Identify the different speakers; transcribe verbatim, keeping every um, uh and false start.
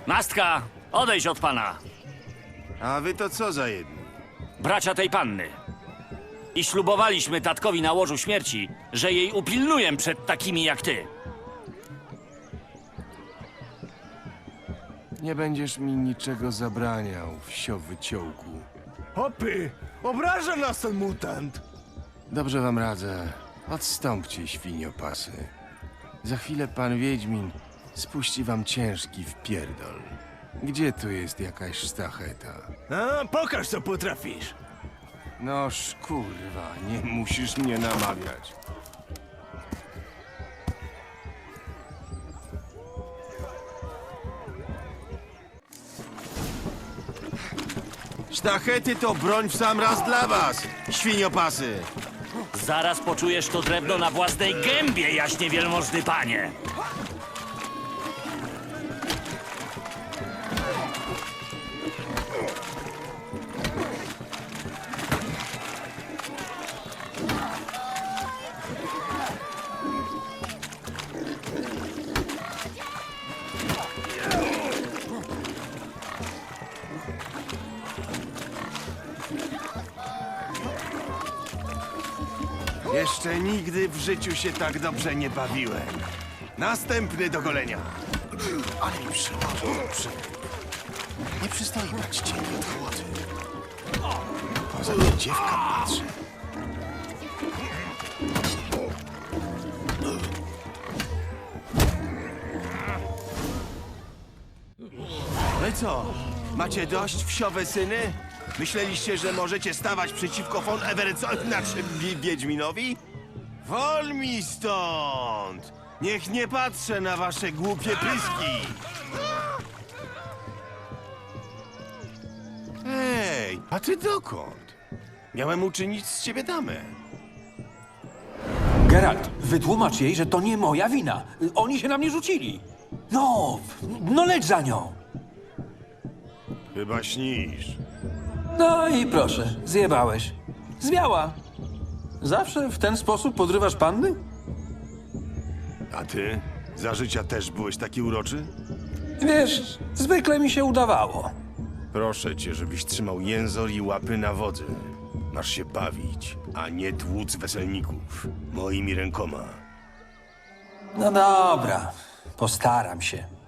Speaker 1: Nastka, odejdź od pana.
Speaker 2: A wy to co za jedni?
Speaker 1: Bracia tej panny. I ślubowaliśmy tatkowi na łożu śmierci, że jej upilnuję przed takimi jak ty.
Speaker 2: Nie będziesz mi niczego zabraniał, wsio wyciołku.
Speaker 3: Hopy! Obraża nas ten mutant!
Speaker 2: Dobrze wam radzę. Odstąpcie, świniopasy. Za chwilę pan Wiedźmin spuści wam ciężki wpierdol. Gdzie tu jest jakaś sztacheta?
Speaker 3: A, pokaż co potrafisz!
Speaker 2: Noż kurwa, nie musisz mnie namawiać. Sztachety to broń w sam raz dla was, świniopasy!
Speaker 1: Zaraz poczujesz to drewno na własnej gębie, jaśnie wielmożny panie.
Speaker 2: Jeszcze nigdy w życiu się tak dobrze nie bawiłem. Następny do golenia. Ale mi przyłożył przykryp. Nie przystoi brać cieni od chłody. Poza tym dziewka patrzy. No i co? Macie dość, wsiowe syny? Myśleliście, że możecie stawać przeciwko von Everetsowi, znaczy Wi- Wiedźminowi? Wol mi stąd! Niech nie patrzę na wasze głupie pyski! Ej, a ty dokąd? Miałem uczynić z ciebie damę.
Speaker 4: Geralt, wytłumacz jej, że to nie moja wina. Oni się na mnie rzucili. No, no leć za nią.
Speaker 2: Chyba śnisz.
Speaker 4: No i proszę, zjebałeś. Zwiała. Zawsze w ten sposób podrywasz panny?
Speaker 2: A ty? Za życia też byłeś taki uroczy?
Speaker 4: Wiesz, zwykle mi się udawało.
Speaker 2: Proszę cię, żebyś trzymał jęzor i łapy na wodzy. Masz się bawić, a nie tłuc weselników. Moimi rękoma.
Speaker 4: No dobra, postaram się.